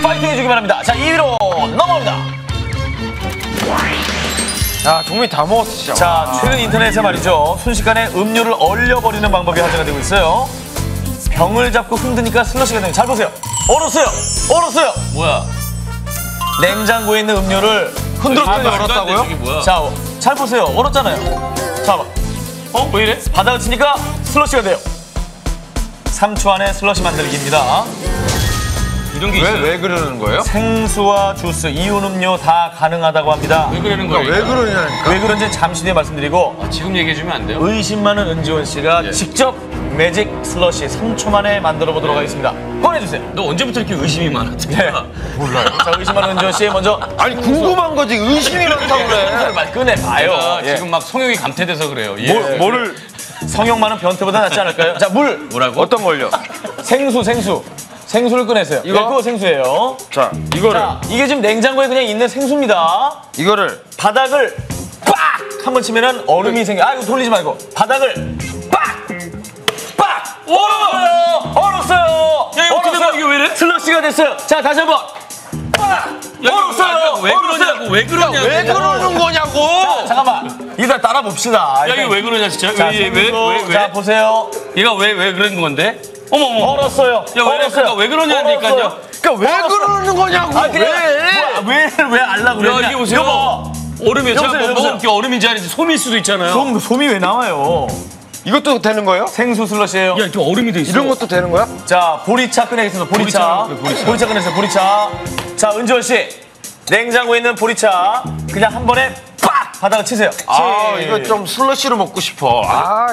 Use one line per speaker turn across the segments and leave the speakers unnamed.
파이팅 해주기 바랍니다. 자, 2위로 넘어갑니다.
야, 종민이 다 먹었어, 진짜.
자, 최근 인터넷에 말이죠. 순식간에 음료를 얼려버리는 방법이 화제가 되고 있어요. 병을 잡고 흔드니까 슬러시가 되는. 잘 보세요. 얼었어요. 얼었어요.
뭐야?
냉장고에 있는 음료를
흔들었더니
말도 안 돼,
얼었다고요?
저게 뭐야?
자, 잘 보세요. 얼었잖아요. 자, 봐.
왜 이래?
바닥을 치니까 슬러시가 돼요. 3초 안에 슬러시 만들기입니다.
이런 게 있어요.
왜 그러는 거예요?
생수와 주스, 이온 음료 다 가능하다고 합니다.
왜 그러는 거예요?
왜 그러냐니까.
왜 그런지 잠시 뒤에 말씀드리고
지금 얘기해주면 안 돼요?
의심 많은 은지원 씨가
예.
직접 매직 슬러시 3초 만에 만들어 보도록 하겠습니다. 꺼내주세요.
너 언제부터 이렇게 의심이 많았대?
몰라요. 자, 의심 많은 은지원 씨 먼저
아니, 궁금한 거지. 의심이 많다고 그래.
말 꺼내봐요.
내가
예.
지금 막 성욕이 감퇴돼서 그래요. 예.
뭐를,
성형 많은 변태보다 낫지 않을까요? 자, 물,
뭐라고?
어떤 걸요?
생수. 생수를 꺼내세요.
이거?
네, 그거 생수예요.
자, 이거를,
자, 이게 지금 냉장고에 그냥 있는 생수입니다.
이거를.
바닥을 빡! 한번 치면은 얼음이 생겨. 아, 이거 돌리지 말고. 바닥을 빡! 빡! 얼었어요! 얼었어요!
야, 이거 어떻게 된 거야? 이게 왜 이래?
슬러시가 됐어요. 자, 다시 한 번. 빡! 얼었어요!
왜 그러냐고? 왜 그러냐고?
왜 그러는 거냐고!
잠깐만. 이거 따라 봅시다.
야, 이거 왜 그러냐, 진짜?
자,
왜?
자, 보세요.
얘가 왜 그런 건데? 어머.
얼었어요.
야, 왜 이래? 그러니까 왜 그러냐니까요?
얼었어요.
그러니까 왜 그러는 거냐고!
아, 왜 알라 그러냐?
야, 이게 보세요.
여보,
얼음이야. 제가
여보세요,
뭐 먹은 게 얼음인지 아닌지 솜일 수도 있잖아요.
그럼 솜이 왜 나와요?
이것도 되는 거예요?
생수 슬러시예요.
야, 이렇게 얼음이 돼 있어.
이런 것도 되는 거야?
자, 보리차 꺼내겠습니다. 보리차. 보리차 꺼내세요. 보리차. 자, 은지원 씨. 냉장고에 있는 보리차 그냥 한 번에 빡! 바닥을 치세요.
아, 이거 좀 슬러시로 먹고 싶어. 아,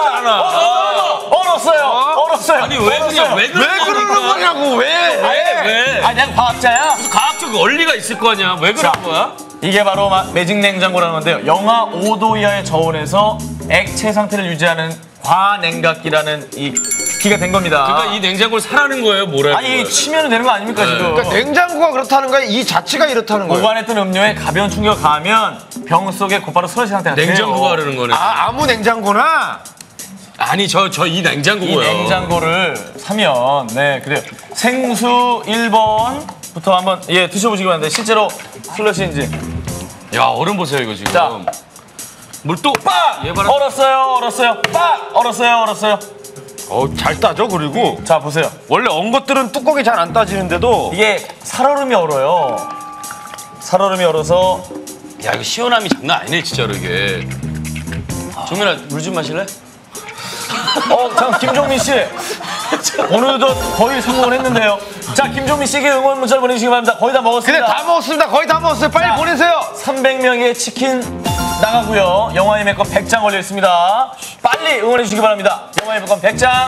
얼었어요.
아니, 왜 그냥 왜
그러는 거냐고, 왜?
아니, 내가 과학자야.
과학적 원리가 있을 거 아니야. 왜 그런
자.
거야?
이게 바로 매직 냉장고라는 건데요. 영하 5도 이하의 저온에서 액체 상태를 유지하는 과냉각기라는 이 기가 된 겁니다.
그러니까 이 냉장고를 사라는 거예요, 뭐라는
아니,
거예요?
치면 되는 거 아닙니까, 지금?
그러니까 냉장고가 그렇다는 거야? 이 자체가 이렇다는 거야?
보관했던 음료에 가벼운 충격을 가하면 병 속에 곧바로 슬러시 상태가 돼요.
냉장고가 그러는 거네.
아, 아무 냉장고나?
아니, 저 이
이
냉장고고요.
냉장고를 사면 그래요. 생수 1번부터 한번 드셔보시기 바랍니다. 실제로 슬러시인지.
야, 얼음 보세요, 이거 지금.
자.
물 또
빡!
얘 봐라.
얼었어요. 빡! 얼었어요.
잘 따져, 그리고.
자, 보세요.
원래 언 것들은 뚜껑이 잘 안 따지는데도.
이게 살얼음이 얼어요. 살얼음이 얼어서
야, 이거 시원함이 장난 아니네, 진짜로 이게. 종민아, 물 좀 마실래?
잠깐 김종민 씨. 오늘도 거의 성공을 했는데요. 자, 김종민 씨에게 응원 문자를 보내주시기 바랍니다. 거의 다 먹었습니다.
근데 다 먹었습니다. 거의 다 먹었어요. 빨리
자,
보내세요.
300명의 치킨 나가고요. 영화의 매건 100장 걸려 있습니다. 빨리 응원해 주시기 바랍니다. 영화의 매건 100장.